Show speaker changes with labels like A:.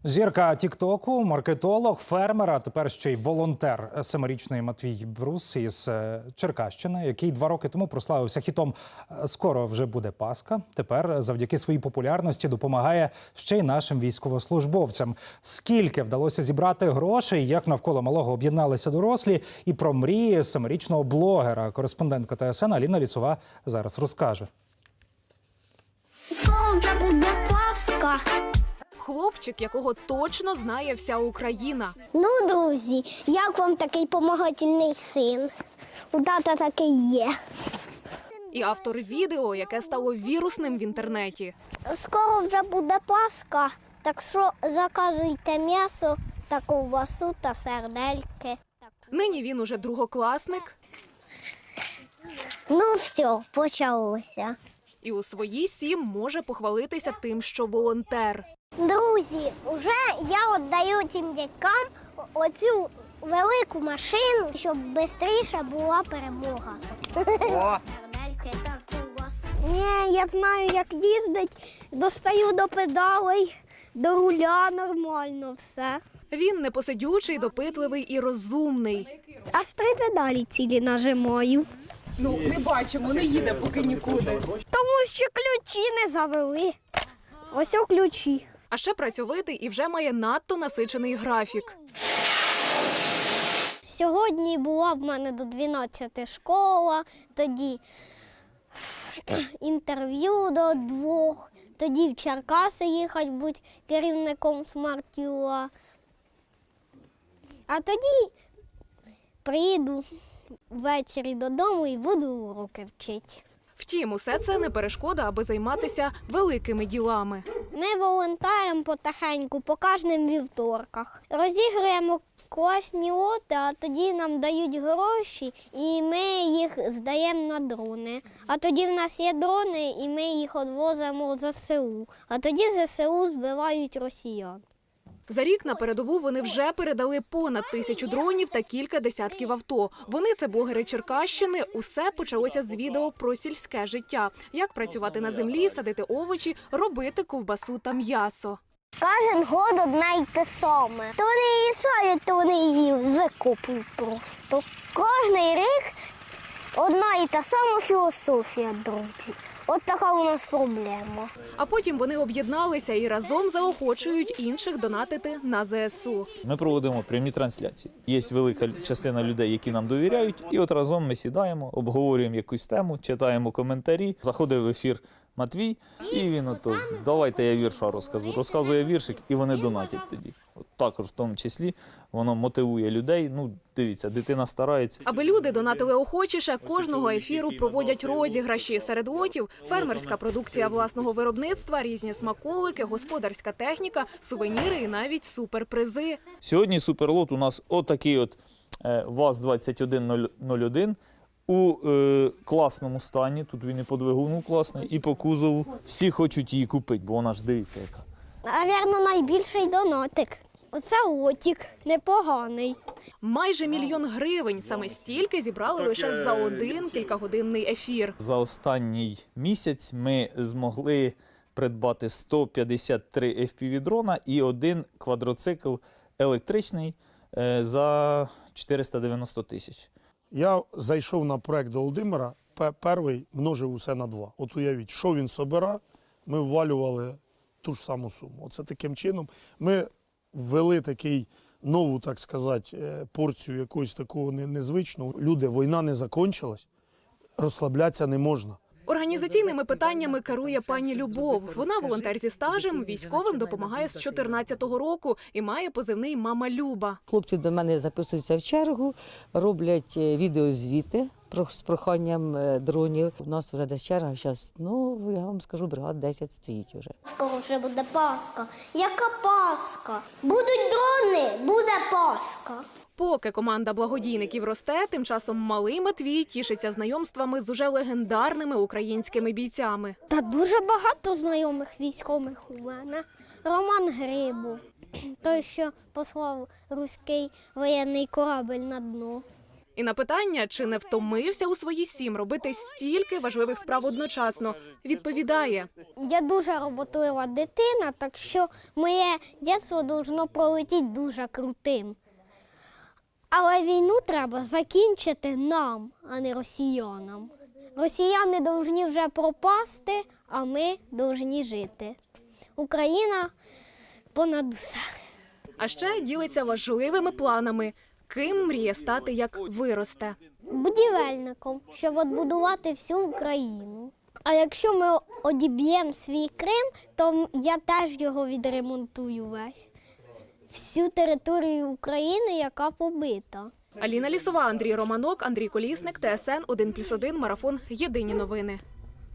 A: Зірка тік-току, маркетолог, фермер, а тепер ще й волонтер. 7-річний Матвій Брус із Черкащини, який 2 роки тому прославився хітом «Скоро вже буде Пасха». Тепер завдяки своїй популярності допомагає ще й нашим військовослужбовцям. Скільки вдалося зібрати грошей, як навколо малого об'єдналися дорослі, і про мрії 7-річного блогера. Кореспондентка ТСН Аліна Лісова зараз розкаже.
B: Скоро вже буде Пасха.
C: Хлопчик, якого точно знає вся Україна.
B: Ну, друзі, як вам такий помагательний син? У тата такий є.
C: І автор відео, яке стало вірусним в інтернеті.
B: Скоро вже буде Пасха, так що заказуйте м'ясо та ковбасу та сердельки.
C: Нині він уже другокласник.
B: Ну все, почалося.
C: І у свої 7 може похвалитися тим, що волонтер.
B: Друзі, вже я віддаю цим дядькам оцю велику машину, щоб швидше була перемога. Сердельки та ковбасу. Ні, я знаю, як їздити, достаю до педалей, до руля, нормально все.
C: Він непосидючий, допитливий і розумний.
B: Аж 3 педалі цілі нажимаю.
C: Ну, не бачимо, не їде поки нікуди.
B: Тому що ключі не завели. Ось о ключі.
C: А ще працьовитий і вже має надто насичений графік.
B: Сьогодні була в мене до 12 школа, тоді інтерв'ю до 2, тоді в Черкаси їхати бути керівником смарт-юа. А тоді приїду ввечері додому і буду уроки вчити.
C: Втім, усе це не перешкода, аби займатися великими ділами.
B: Ми волонтеримо потихеньку по кожним вівторках. Розігруємо класні лоти, а тоді нам дають гроші, і ми їх здаємо на дрони. А тоді в нас є дрони, і ми їх відвозимо в ЗСУ. А тоді ЗСУ збивають росіян.
C: За рік на передову вони вже передали понад 1000 дронів та кілька десятків авто. Вони – це блогери Черкащини. Усе почалося з відео про сільське життя. Як працювати на землі, садити овочі, робити ковбасу та м'ясо.
B: Кожен год одне й те саме. То вони її садять, то вони її викопують просто. Кожний рік одна і та сама філософія, друзі. От така у нас проблема.
C: А потім вони об'єдналися і разом заохочують інших донатити на ЗСУ.
D: Ми проводимо прямі трансляції. Є велика частина людей, які нам довіряють, і от разом ми сідаємо, обговорюємо якусь тему, читаємо коментарі. Заходить в ефір Матвій, і він ото, давайте я вірша розкажу. Розказує віршик, і вони донатять тоді. От також в тому числі воно мотивує людей. Ну, дивіться, дитина старається.
C: Аби люди донатили охочіше, кожного ефіру проводять розіграші. Серед лотів – фермерська продукція власного виробництва, різні смаколики, господарська техніка, сувеніри і навіть суперпризи.
D: Сьогодні суперлот у нас отакий от ВАЗ-2101 у класному стані. Тут він і по двигуну класний, і по кузову. Всі хочуть її купити, бо вона ж дивіться яка.
B: Навірно, найбільший донатик. Оце лотик, непоганий.
C: Майже 1 000 000 гривень. Саме стільки зібрали лише за один кількагодинний ефір.
D: За останній місяць ми змогли придбати 153 FPV-дрона і 1 квадроцикл електричний за 490 тисяч.
E: Я зайшов на проект до Володимира, перший множив усе на 2. От уявіть, що він собира, ми ввалювали ту ж саму суму. Оце таким чином ми ввели такий нову, так сказати, порцію якогось такого незвичного. Люди, війна не закінчилась, розслаблятися не можна.
C: Організаційними питаннями керує пані Любов. Вона волонтер зі стажем, військовим допомагає з 14-го року і має позивний «Мама Люба».
F: Хлопці до мене записуються в чергу, роблять відеозвіти з проханням дронів. У нас вже десь черга, зараз, я вам скажу, бригад 10 стоїть вже.
B: Скоро вже буде Пасха. Яка Пасха? Будуть дрони, буде Пасха.
C: Поки команда благодійників росте, тим часом малий Матвій тішиться знайомствами з уже легендарними українськими бійцями.
B: Та дуже багато знайомих військових у мене. Роман Грибов, той, що послав руський воєнний корабель на дно.
C: І на питання, чи не втомився у свої 7 робити стільки важливих справ одночасно, відповідає:
B: Я дуже роботлива дитина, так що моє дитинство должно пролетіти дуже крутим. Але війну треба закінчити нам, а не росіянам. Росіяни повинні вже пропасти, а ми повинні жити. Україна понад усе.
C: А ще ділиться важливими планами, ким мріє стати, як виросте.
B: Будівельником, щоб відбудувати всю Україну. А якщо ми одіб'ємо свій Крим, то я теж його відремонтую весь. Всю територію України, яка побита.
C: Аліна Лісова, Андрій Романок, Андрій Колісник, ТСН 1+1, Марафон. Єдині новини.